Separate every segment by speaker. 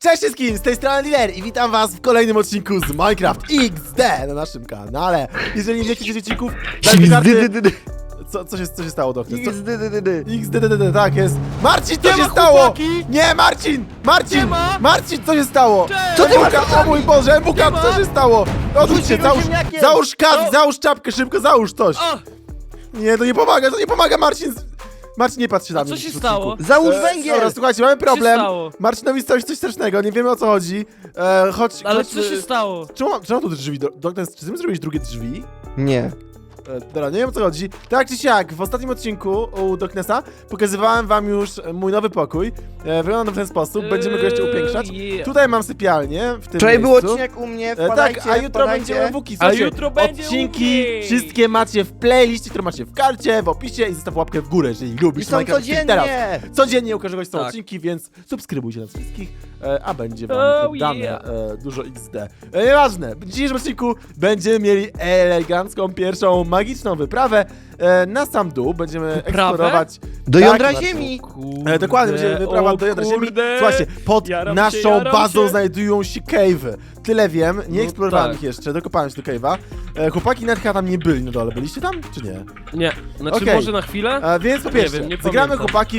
Speaker 1: Cześć wszystkim, z tej strony Dealer i witam was w kolejnym odcinku z Minecraft XD na naszym kanale. Jeżeli nie wiecie odcinków, dajcie karty. Co się stało, doktor? XDDD, tak jest. Marcin, co się stało? Nie, Marcin! Marcin, co się stało?
Speaker 2: Co ty masz?
Speaker 1: O mój Boże, Buka, co się stało? Odwróć się, załóż kask, załóż czapkę, szybko załóż coś. Nie, to nie pomaga, Marcin. Marcin, nie patrz się na mnie.
Speaker 3: Co się stało?
Speaker 2: Załóż węgiel!
Speaker 1: Dobra, słuchajcie, mamy problem.
Speaker 3: stało?
Speaker 1: Marcinowi stało się coś strasznego, nie wiemy o co chodzi.
Speaker 3: Ale co się stało?
Speaker 1: Czemu tu drzwi? Doktor, czy ty zrobiłeś drugie drzwi?
Speaker 2: Nie.
Speaker 1: Dobra, nie wiem o co chodzi. Tak czy siak, w ostatnim odcinku u Doknesa pokazywałem wam już mój nowy pokój. Wygląda w ten sposób, będziemy go jeszcze upiększać. Tutaj mam sypialnię w tym
Speaker 2: Wczoraj był
Speaker 1: miejscu.
Speaker 2: odcinek u mnie, wpadajcie,
Speaker 1: Tak, a jutro będziemy w Łuki.
Speaker 3: A jutro będzie
Speaker 1: odcinki
Speaker 3: Łuki.
Speaker 1: wszystkie macie w playliście, które macie w karcie, w opisie i zostaw łapkę w górę, jeżeli
Speaker 2: I
Speaker 1: lubisz
Speaker 2: są
Speaker 1: Minecraft teraz.
Speaker 2: codziennie!
Speaker 1: Codziennie ukażę są
Speaker 3: Tak.
Speaker 1: odcinki, więc subskrybujcie nas wszystkich, a będzie wam
Speaker 3: Oh,
Speaker 1: dane
Speaker 3: yeah.
Speaker 1: dużo XD. Nieważne, w dzisiejszym odcinku będziemy mieli elegancką, pierwszą magiczną wyprawę na sam dół. Będziemy eksplorować...
Speaker 2: Do
Speaker 1: Tak,
Speaker 2: jądra
Speaker 1: na to.
Speaker 2: ziemi!
Speaker 1: Dokładnie, będziemy wyprawa do jądra ziemi. Słuchajcie, pod
Speaker 3: Jaram
Speaker 1: naszą
Speaker 3: się.
Speaker 1: bazą znajdują się cave'y. Tyle wiem, nie eksplorowałem
Speaker 3: tak.
Speaker 1: ich jeszcze, dokopałem się do cave'a. Chłopaki nawet chyba tam nie byli na dole. Byliście tam, czy nie?
Speaker 3: Nie, znaczy
Speaker 1: Okej.
Speaker 3: może na chwilę?
Speaker 1: Więc po pierwsze,
Speaker 3: wiem, nie
Speaker 1: zagramy
Speaker 3: pamiętam.
Speaker 1: chłopaki w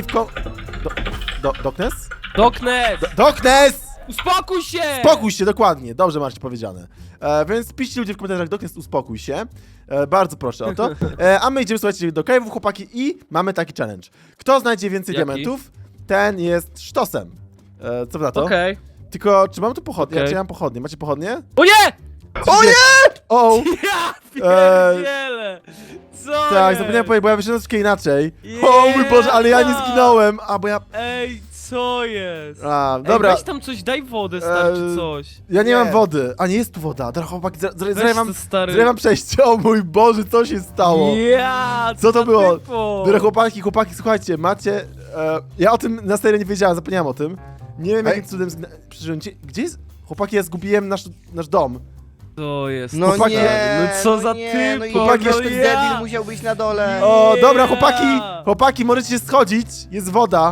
Speaker 1: Doknes?
Speaker 3: Doknes!
Speaker 1: Doknes!
Speaker 3: Uspokój się!
Speaker 1: Spokój się, dokładnie, dobrze macie powiedziane. Więc piszcie ludzie w komentarzach, Doknes, uspokój się. Bardzo proszę o to. A my idziemy, słuchajcie, do cave'ów, chłopaki, i mamy taki challenge. Kto znajdzie więcej
Speaker 3: Jaki?
Speaker 1: diamentów, ten jest sztosem. Co wy na to?
Speaker 3: Okej.
Speaker 1: Tylko, czy mam tu pochodnie?
Speaker 3: Okej.
Speaker 1: Czy ja mam pochodnie? Macie pochodnie?
Speaker 3: O nie!
Speaker 1: O nie! O!
Speaker 3: Ja pierdzielę! Co
Speaker 1: Tak,
Speaker 3: jest?
Speaker 1: zapomniałem powiedzieć, bo ja wyszedłem troszkę inaczej.
Speaker 3: Yeah.
Speaker 1: O mój Boże, ale ja nie zginąłem, bo ja...
Speaker 3: Ej, co jest?
Speaker 1: Dobra,
Speaker 3: Ej, weź tam coś, daj wodę, stary, czy coś.
Speaker 1: ja nie
Speaker 2: Nie.
Speaker 1: mam wody. A nie jest tu woda. Dobra, chłopaki,
Speaker 3: Weź
Speaker 1: zrywam
Speaker 3: to, stary.
Speaker 1: przejście. O mój Boże, co się stało?
Speaker 3: Ja,
Speaker 1: Co to było?
Speaker 3: Typo?
Speaker 1: Dobra, chłopaki, słuchajcie, macie... ja o tym na serio nie wiedziałem, zapomniałem o tym. Nie wiem, jakim cudem... Gdzie jest... Chłopaki, ja zgubiłem nasz dom.
Speaker 3: To jest.
Speaker 2: No
Speaker 1: Chłopaki,
Speaker 2: nie,
Speaker 3: no co za
Speaker 2: nie,
Speaker 3: typ,
Speaker 2: no i
Speaker 1: chłopaki,
Speaker 2: ten
Speaker 1: jeszcze
Speaker 2: debil musiał być na dole.
Speaker 1: O,
Speaker 3: Nie.
Speaker 1: dobra, chłopaki, możecie się schodzić. Jest woda.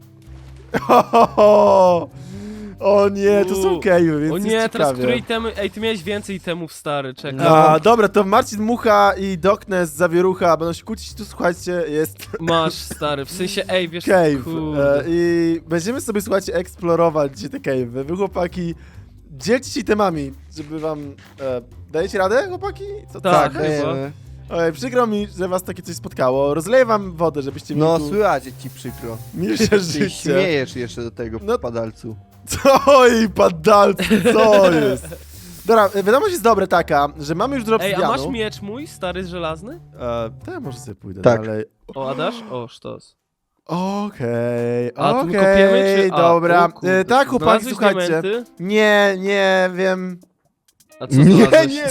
Speaker 1: O nie, to są cave'y, więc
Speaker 3: O
Speaker 1: jest
Speaker 3: nie, teraz
Speaker 1: ciekawie.
Speaker 3: które itemy... Ej, ty miałeś więcej itemów, stary, czekaj.
Speaker 1: Dobra, to Marcin Mucha i Doknes Zawierucha będą się kłócić, tu słuchajcie, jest
Speaker 3: Masz, stary, w sensie, ej, wiesz,
Speaker 1: cave.
Speaker 3: kurde.
Speaker 1: I będziemy sobie, słuchajcie, eksplorować dzisiaj te cave'y. Wy, chłopaki, dzielcie się temami, żeby wam... dajecie radę, chłopaki? Co to?
Speaker 3: Tak.
Speaker 2: dajemy.
Speaker 1: Oj, przykro mi, że was takie coś spotkało. Rozleję wam wodę, żebyście
Speaker 2: No
Speaker 1: mi tu
Speaker 2: słychać ci przykro.
Speaker 1: milsze
Speaker 2: Ty
Speaker 1: życie.
Speaker 2: śmiejesz jeszcze do tego
Speaker 1: No.
Speaker 2: padalcu.
Speaker 1: Co i padalcy, co jest? Dobra, wiadomość jest dobra taka, że mamy już drop
Speaker 3: Ej, a
Speaker 1: obsydianu.
Speaker 3: masz miecz mój, stary, żelazny?
Speaker 1: To ja może sobie pójdę
Speaker 2: Tak.
Speaker 1: dalej.
Speaker 3: O, a dasz? O, sztos.
Speaker 1: Okej,
Speaker 3: A tu kopiemy, czy... A,
Speaker 1: dobra.
Speaker 3: o kurde.
Speaker 1: Tak, chłopaki,
Speaker 3: Znalazłeś
Speaker 1: słuchajcie.
Speaker 3: diamenty?
Speaker 1: Nie wiem.
Speaker 3: A co
Speaker 2: Nie,
Speaker 3: znalazłeś?
Speaker 2: nie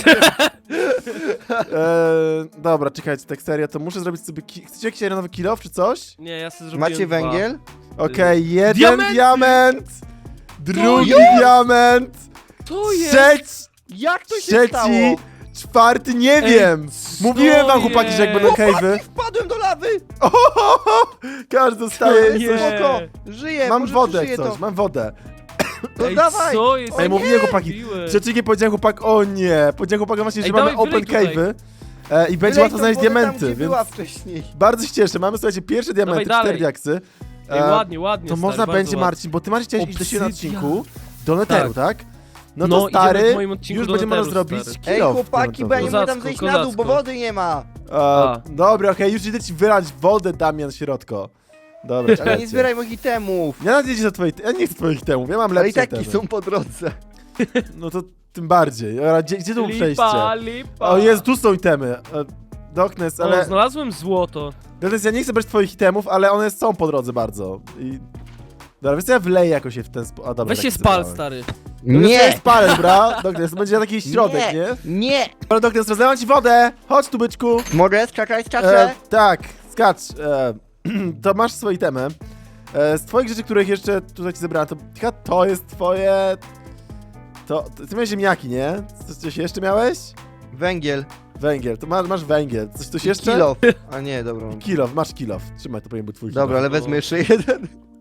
Speaker 1: Dobra, czekajcie, tak serio, to muszę zrobić sobie... Chcecie jakiś nowy kill off czy coś?
Speaker 3: Nie, ja sobie zrobiłem
Speaker 2: Macie
Speaker 3: dwa.
Speaker 2: węgiel?
Speaker 1: Okej, jeden
Speaker 3: Diamenty!
Speaker 1: diament! Drugi
Speaker 3: jest?
Speaker 1: diament!
Speaker 3: To jest!
Speaker 2: Jak to się
Speaker 1: Trzeci!
Speaker 2: stało?
Speaker 1: Czwarty, nie
Speaker 3: Ej,
Speaker 1: wiem!
Speaker 3: co
Speaker 1: Mówiłem wam, chłopaki, że jak będą
Speaker 3: jest?
Speaker 1: cave'y...
Speaker 2: Wpadłem do lawy!
Speaker 1: Każdy dostaje
Speaker 3: Nie.
Speaker 1: coś...
Speaker 2: Spoko! Żyję,
Speaker 1: Mam
Speaker 2: może
Speaker 1: wodę
Speaker 2: przeżyję
Speaker 1: coś,
Speaker 2: to.
Speaker 1: mam wodę.
Speaker 2: No
Speaker 3: Ej,
Speaker 2: dawaj!
Speaker 3: co jest?
Speaker 1: Ej, mówiłem, chłopaki,
Speaker 3: Mówiłem.
Speaker 1: Przeciwnie powiedziałem chłopak, o nie, powiedziałem chłopakom właśnie, że
Speaker 3: Ej,
Speaker 1: mamy
Speaker 3: dawaj,
Speaker 1: open
Speaker 3: wylej
Speaker 1: cave'y i będzie
Speaker 2: Wylej
Speaker 1: łatwo
Speaker 2: tą
Speaker 1: znaleźć
Speaker 2: wodę tam,
Speaker 1: diamenty,
Speaker 2: gdzie
Speaker 1: więc
Speaker 2: była wcześniej.
Speaker 1: bardzo się cieszę. Mamy, słuchajcie, pierwsze diamenty,
Speaker 3: Dawaj
Speaker 1: 4
Speaker 3: dalej.
Speaker 1: diaksy.
Speaker 3: Ej, ładnie,
Speaker 1: To
Speaker 3: stary,
Speaker 1: można
Speaker 3: bardzo
Speaker 1: będzie,
Speaker 3: ładnie.
Speaker 1: Marcin, bo ty Marcin chciałeś iść do siebie na
Speaker 3: Obsydian.
Speaker 1: odcinku do Netheru, tak? No to
Speaker 3: No, idziemy
Speaker 1: stary,
Speaker 3: w moim odcinku
Speaker 1: już
Speaker 3: do
Speaker 1: będziemy można
Speaker 3: Netheru,
Speaker 1: zrobić
Speaker 3: stary.
Speaker 1: kill
Speaker 2: Ej,
Speaker 1: off
Speaker 2: chłopaki,
Speaker 1: diamentowy.
Speaker 2: będziemy tam
Speaker 3: Kozacko,
Speaker 2: zejść na dół, bo
Speaker 3: kozacko.
Speaker 2: wody nie ma.
Speaker 1: Dobra, okej, już idę ci wylać wodę, Damian, środko. Dobra,
Speaker 2: Ale
Speaker 1: czekajcie.
Speaker 2: nie zbieraj moich itemów.
Speaker 1: Ja nawet nie idę do twoich, ja nie chcę twoich temów, ja mam
Speaker 2: Ale i
Speaker 1: lepsze
Speaker 2: taki
Speaker 1: itemy.
Speaker 2: są po drodze.
Speaker 1: No to tym bardziej. Dobra, gdzie tu przejście?
Speaker 3: Lipa.
Speaker 1: O Jezu, tu są itemy. Doknes,
Speaker 3: O,
Speaker 1: ale...
Speaker 3: znalazłem złoto.
Speaker 1: Doknes, ja nie chcę brać twoich itemów, ale one są po drodze bardzo. Dobra, więc ja wleję jakoś je w ten sposób. A dobra,
Speaker 3: Weź
Speaker 1: tak
Speaker 3: się
Speaker 1: chcę,
Speaker 3: spal,
Speaker 1: dobra.
Speaker 3: stary.
Speaker 1: Doknes, ja
Speaker 2: Nie!
Speaker 1: się spalę, dobra? Doknes, to będzie taki środek, nie?
Speaker 2: Nie!
Speaker 1: Dobra, Doknes, rozlewam ci wodę! Chodź tu, byczku!
Speaker 2: Mogę? Skakać? Skaczę?
Speaker 1: Tak, skacz. To masz swoje itemy. Z twoich rzeczy, których jeszcze tutaj ci zebrałem, to jest twoje... Ty miałeś ziemniaki, nie? Coś jeszcze miałeś?
Speaker 2: Węgiel.
Speaker 1: Węgiel, to masz węgiel. Coś jeszcze?
Speaker 2: Kilo. A nie, dobra.
Speaker 1: Kilof, masz kilof. Trzymaj, to powinien być twój
Speaker 2: Dobra, ale
Speaker 1: kilof.
Speaker 2: wezmę jeszcze jeden.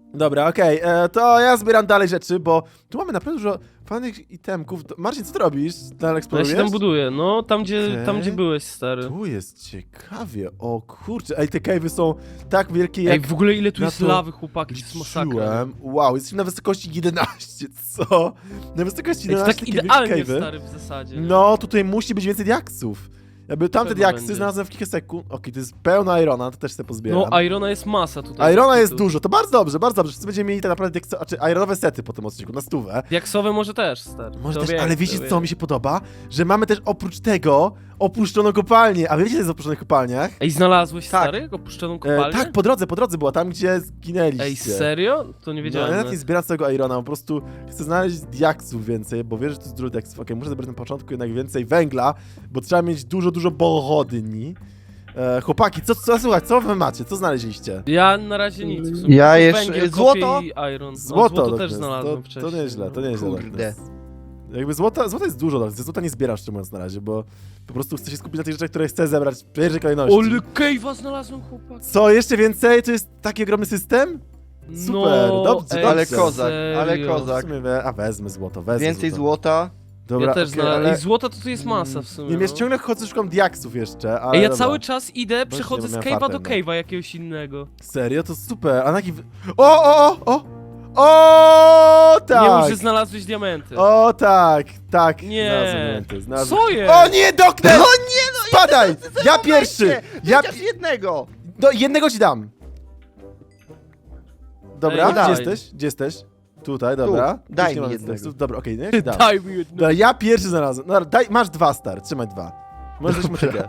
Speaker 1: Dobra, okej, to ja zbieram dalej rzeczy, bo tu mamy naprawdę dużo fajnych itemków. Marcin, co ty robisz? Dalej
Speaker 3: No ja
Speaker 1: eksplorujesz?
Speaker 3: się tam buduję, no tam
Speaker 1: Okej.
Speaker 3: gdzie byłeś, stary.
Speaker 1: Tu jest ciekawie, o kurczę, ej, te cave'y są tak wielkie
Speaker 3: Ej,
Speaker 1: jak
Speaker 3: w ogóle ile tu
Speaker 1: na
Speaker 3: jest
Speaker 1: to
Speaker 3: lawy, chłopaki, to jest masakra.
Speaker 1: liczyłem. Wow, jesteśmy na wysokości 11, co? Na wysokości
Speaker 3: Ej, to
Speaker 1: 11
Speaker 3: tak
Speaker 1: takie wielkie
Speaker 3: idealnie,
Speaker 1: cave'y.
Speaker 3: stary, w zasadzie. nie?
Speaker 1: No, tutaj musi być więcej diaksów. Jakby tamte
Speaker 3: Pewno
Speaker 1: diaksy
Speaker 3: będzie.
Speaker 1: znalazłem w kilka sekund. Okej, to jest pełna irona, to też sobie pozbieram.
Speaker 3: No, Irona jest masa tutaj.
Speaker 1: Irona jest
Speaker 3: Tu.
Speaker 1: dużo, to bardzo dobrze, bardzo dobrze. Wszyscy będziemy mieli tak naprawdę znaczy ironowe sety po tym odcinku, na stówę.
Speaker 3: Diaksowe może też, stary.
Speaker 1: Może
Speaker 3: To
Speaker 1: też,
Speaker 3: wiem,
Speaker 1: ale
Speaker 3: to
Speaker 1: wiecie
Speaker 3: wiem.
Speaker 1: co mi się podoba? Że mamy też oprócz tego opuszczoną kopalnię. A wiecie co jest w opuszczonych kopalniach?
Speaker 3: Ej, znalazłeś,
Speaker 2: Tak.
Speaker 3: stary, opuszczoną kopalnię?
Speaker 1: Tak, po drodze była, tam gdzie zginęliście.
Speaker 3: Ej, serio? To nie
Speaker 1: No,
Speaker 3: wiedziałem.
Speaker 1: ja nawet
Speaker 3: nawet.
Speaker 1: nie zbieram całego Irona, po prostu chcę znaleźć diaksów więcej, bo wiesz, że to jest dużo diaksów. Okej, muszę zebrać na początku jednak więcej węgla, bo trzeba mieć dużo pochodni. Chłopaki, słuchaj, co wy macie? Co znaleźliście?
Speaker 3: Ja na razie nic. W sumie.
Speaker 2: Ja
Speaker 3: Tylko
Speaker 2: jeszcze-
Speaker 3: węgiel,
Speaker 2: złoto?
Speaker 3: kopię i Iron.
Speaker 1: Złoto,
Speaker 3: No, złoto też
Speaker 1: Darkness,
Speaker 3: znalazłem
Speaker 1: to
Speaker 3: wcześniej.
Speaker 1: nieźle, to
Speaker 3: no.
Speaker 1: nieźle.
Speaker 2: Kurde.
Speaker 1: Darkness. Jakby złota jest dużo, Darkness. Złota nie zbierasz, szczerze mówiąc, na razie, bo po prostu chcę się skupić na tych rzeczach, które chcę zebrać w pierwszej kolejności.
Speaker 3: Ole, cave'a znalazłem, chłopak.
Speaker 1: Co, jeszcze więcej? To jest taki ogromny system? Super,
Speaker 3: No,
Speaker 1: dobrze,
Speaker 3: ej,
Speaker 2: Ale
Speaker 1: dobrze.
Speaker 2: kozak, ale
Speaker 3: serio.
Speaker 1: W
Speaker 2: kozak.
Speaker 1: sumie, wezmę złoto, wezmę
Speaker 2: Więcej
Speaker 1: złoto.
Speaker 2: złota.
Speaker 1: Dobra,
Speaker 3: Ja też
Speaker 1: okej,
Speaker 3: znalazłem.
Speaker 1: ale...
Speaker 3: I złota to tu jest masa w sumie.
Speaker 1: Nie wiem,
Speaker 3: no.
Speaker 1: ciągle chodzę, szukam diaksów jeszcze, ale
Speaker 3: Ej, ja
Speaker 1: dobra.
Speaker 3: cały czas idę, przechodzę z
Speaker 1: miałem
Speaker 3: cave'a
Speaker 1: farta
Speaker 3: do
Speaker 1: jednak.
Speaker 3: cave'a jakiegoś innego.
Speaker 1: Serio? To super, a na jaki... O, tak!
Speaker 3: Nie mów, że znalazłeś diamenty.
Speaker 1: O, tak.
Speaker 3: Nie.
Speaker 1: Znalazłem diamenty, znalazłem.
Speaker 3: Co jest?
Speaker 1: O nie, doktor! O nie, no spadaj! Ja pierwszy! Ja
Speaker 2: Chociaż jednego!
Speaker 1: jednego ci dam. Dobra,
Speaker 3: Ej,
Speaker 1: gdzie
Speaker 3: daj.
Speaker 1: jesteś? Gdzie jesteś? Tutaj, dobra.
Speaker 2: Tu, daj
Speaker 1: Już nie
Speaker 2: mi
Speaker 1: mam
Speaker 2: jednego.
Speaker 1: tekstów. Dobra, okej, no ja ci dam.
Speaker 3: Daj mi jedno.
Speaker 1: Dobra, ja pierwszy znalazłem. Dobra, masz dwa, stary, trzymaj dwa. Możesz dać motykę.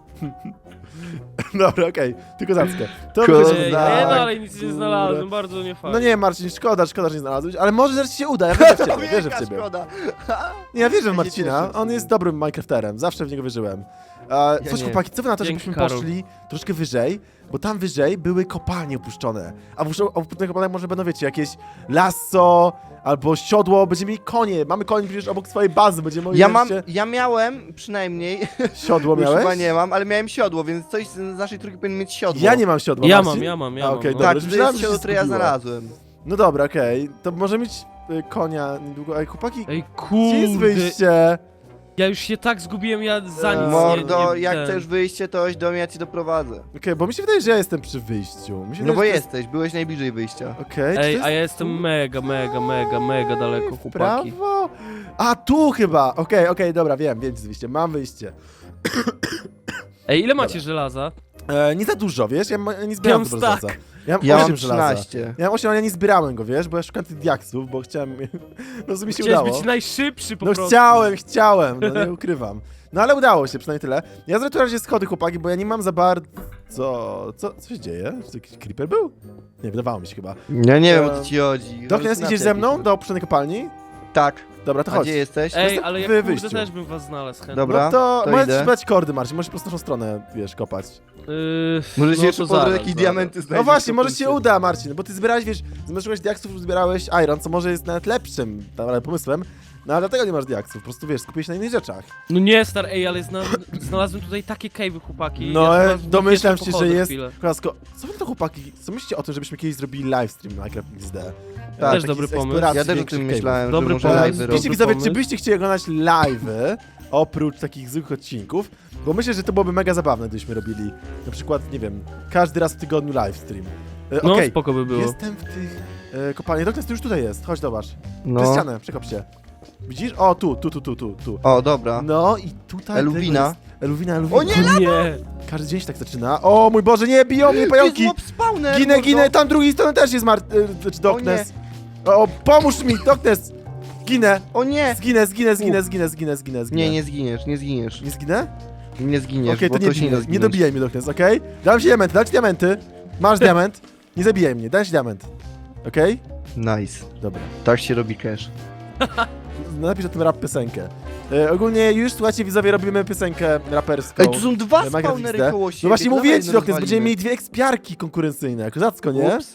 Speaker 1: Dobra, okej, tylko zackę. To
Speaker 2: Kozak.
Speaker 1: wychodzi-
Speaker 3: Ej,
Speaker 2: Tak.
Speaker 3: ja dalej nic nie
Speaker 1: Kurde.
Speaker 3: znalazłem, bardzo nie fajnie.
Speaker 1: No nie, Marcin, szkoda, że nie znalazłeś, ale może zaraz ci się uda, ja wierzę w ciebie, wierzę w
Speaker 2: Wielka
Speaker 1: ciebie.
Speaker 2: szkoda.
Speaker 1: Nie, ja wierzę w
Speaker 2: Ja się
Speaker 1: Marcina,
Speaker 2: cieszę.
Speaker 1: on jest dobrym Minecrafterem, zawsze w niego wierzyłem. Coś
Speaker 2: nie.
Speaker 1: chłopaki, co wy na to,
Speaker 3: Dzięki,
Speaker 1: żebyśmy
Speaker 3: Karol.
Speaker 1: poszli troszkę wyżej, bo tam wyżej były kopalnie opuszczone, a w opuszczonych kopalniach może będą, wiecie, jakieś lasso, albo siodło, będziemy mieli konie, mamy konie przecież obok swojej bazy, będziemy mogli
Speaker 2: Ja miałem przynajmniej,
Speaker 1: siodło
Speaker 2: już
Speaker 1: miałeś?
Speaker 2: chyba nie mam, ale miałem siodło, więc coś z naszej trójki powinien mieć siodło.
Speaker 1: Ja nie mam siodła,
Speaker 3: Ja
Speaker 1: Marcin?
Speaker 3: mam.
Speaker 1: A, okej,
Speaker 3: no.
Speaker 1: dobra.
Speaker 2: Tak,
Speaker 1: już
Speaker 2: to
Speaker 1: myślałem,
Speaker 2: jest
Speaker 1: że się
Speaker 2: siodło, które ja
Speaker 1: zgubiła.
Speaker 2: znalazłem.
Speaker 1: No dobra, okej, to może mieć konia niedługo, ej chłopaki,
Speaker 3: Ej,
Speaker 1: gdzie jest
Speaker 3: kurde.
Speaker 1: wyjście?
Speaker 3: Ja już się tak zgubiłem, ja za nic
Speaker 2: Mordo,
Speaker 3: nie
Speaker 2: jak
Speaker 3: ten.
Speaker 2: chcesz wyjście, to chodź do mnie, ja ci doprowadzę.
Speaker 1: Okej, bo mi się wydaje, że ja jestem przy wyjściu. Mi się
Speaker 2: No
Speaker 1: wydaje,
Speaker 2: bo
Speaker 1: że to jest-
Speaker 2: jesteś, byłeś najbliżej wyjścia.
Speaker 1: Okej, czy to
Speaker 3: Ej,
Speaker 1: jest
Speaker 3: a ja jestem mega daleko,
Speaker 1: w
Speaker 3: chłopaki.
Speaker 1: prawo? A, tu chyba! Okej, dobra, wiem, gdzie jest wyjście. Mam wyjście.
Speaker 3: Ej, ile macie żelaza?
Speaker 1: Nie za dużo, wiesz? Ja nie zbierałem
Speaker 3: Ja mam
Speaker 1: dużo
Speaker 3: stack.
Speaker 1: żelaza. Ja mam
Speaker 2: Ja
Speaker 1: 8
Speaker 2: mam
Speaker 1: żelaza.
Speaker 2: 13.
Speaker 1: Ja mam 8, ale ja nie zbierałem go, wiesz? Bo ja szukam tych diaksów, bo chciałem... No, w sumie się
Speaker 3: Chciałeś
Speaker 1: udało.
Speaker 3: być najszybszy po
Speaker 1: No
Speaker 3: prostu.
Speaker 1: chciałem, no nie ukrywam. No ale udało się, przynajmniej tyle. Ja zrobię tu razie schody, chłopaki, bo ja nie mam za bardzo... Co się dzieje? Czy to jakiś creeper był? Nie, wydawało mi się chyba.
Speaker 2: Ja nie wiem, o co ci chodzi.
Speaker 1: Doknes,
Speaker 2: Halucynacje
Speaker 1: idziesz ze mną
Speaker 2: jakieś.
Speaker 1: do opuszczonej kopalni?
Speaker 2: Tak.
Speaker 1: Dobra, to
Speaker 2: A
Speaker 1: chodź.
Speaker 2: gdzie jesteś?
Speaker 3: Ej, ale jak
Speaker 1: wy
Speaker 3: kurde
Speaker 1: wyjściu.
Speaker 3: też bym was znalazł chętnie.
Speaker 2: Dobra.
Speaker 1: No to
Speaker 2: to
Speaker 1: możesz
Speaker 2: idę.
Speaker 1: ci podać kordy, Marcin, możesz po prostu naszą stronę, wiesz, kopać.
Speaker 2: Może
Speaker 3: no
Speaker 2: się jeszcze
Speaker 3: to
Speaker 2: po drodze
Speaker 3: zaraz,
Speaker 2: jakieś
Speaker 3: zaraz.
Speaker 2: diamenty znajdziesz.
Speaker 1: No właśnie,
Speaker 2: to
Speaker 1: może
Speaker 2: tym
Speaker 1: się
Speaker 2: się-
Speaker 1: uda, Marcin, bo ty zbierałeś, wiesz, zamiast szukać diaksów, zbierałeś iron, co może jest nawet lepszym ale pomysłem, no ale dlatego nie masz diaksów, po prostu, wiesz, skupiłeś się na innych rzeczach.
Speaker 3: No nie, star, ej, ale znalazłem tutaj takie cave'y, chłopaki.
Speaker 1: No,
Speaker 3: ja chyba
Speaker 1: domyślam
Speaker 3: jeszcze
Speaker 1: się, że
Speaker 3: pochodzę
Speaker 1: jest...
Speaker 3: chwilę.
Speaker 1: Klasko, co wy to, chłopaki, co myślicie o tym, żebyśmy kiedyś zrobili livestream na Minecraft XD?
Speaker 2: Tak,
Speaker 3: też
Speaker 1: taki
Speaker 3: dobry
Speaker 1: z
Speaker 3: pomysł.
Speaker 1: eksploracji
Speaker 2: Ja też o
Speaker 1: większych
Speaker 2: tym
Speaker 1: cave'ów.
Speaker 2: myślałem,
Speaker 3: Dobry
Speaker 2: że może
Speaker 3: pomysł.
Speaker 2: live
Speaker 3: Dobry
Speaker 2: robić.
Speaker 1: Piszcie widzowie, czy
Speaker 3: pomysł.
Speaker 1: byście chcieli oglądać live'y, oprócz takich zwykłych odcinków? Bo myślę, że to byłoby mega zabawne, gdybyśmy robili, na przykład, nie wiem, każdy raz w tygodniu livestream.
Speaker 3: No,
Speaker 1: Okej,
Speaker 3: spoko by było.
Speaker 1: jestem w tych kopalniach. Doknes, ty już tutaj jest, chodź zobacz. Przez
Speaker 2: No.
Speaker 1: ścianę, przekop się. Widzisz? O, tu.
Speaker 2: O, dobra.
Speaker 1: No i tutaj...
Speaker 2: Eluwina.
Speaker 1: tego jest- Eluwina.
Speaker 2: O nie,
Speaker 3: Nie.
Speaker 1: Każdy dzień się tak zaczyna. O mój Boże, nie, biją mnie
Speaker 2: To jest
Speaker 1: pająki!
Speaker 2: mob spawner,
Speaker 1: Ginę,
Speaker 2: mordo.
Speaker 1: tam drugi strony też jest Doknes. O, pomóż mi, Doknes! Ginę!
Speaker 2: O nie!
Speaker 1: Zginę.
Speaker 2: Nie, nie zginiesz, nie zginiesz.
Speaker 1: Nie zginę?
Speaker 2: Nie zginiesz,
Speaker 1: Okej,
Speaker 2: bo
Speaker 1: to nie
Speaker 2: to się nie da
Speaker 1: bij, nie
Speaker 2: zginąć.
Speaker 1: dobijaj mnie, Doknes, okej? Dam ci diamenty, dam ci diamenty. Masz diament. Nie zabijaj mnie, dam ci diament. Okej?
Speaker 2: Nice.
Speaker 1: Dobra.
Speaker 2: Tak się robi cash.
Speaker 1: Napisz o tym rap piosenkę. Ogólnie już, słuchajcie, widzowie, robimy piosenkę raperską.
Speaker 2: Ej, tu są dwa
Speaker 1: Minecraft
Speaker 2: spawnery
Speaker 1: XD.
Speaker 2: koło siebie.
Speaker 1: No właśnie
Speaker 2: to
Speaker 1: mówię
Speaker 2: dawaj
Speaker 1: ci,
Speaker 2: je
Speaker 1: Doknes,
Speaker 2: rozwalimy.
Speaker 1: będziemy mieli dwie ekspiarki konkurencyjne. Kozacko, nie?
Speaker 2: Ups.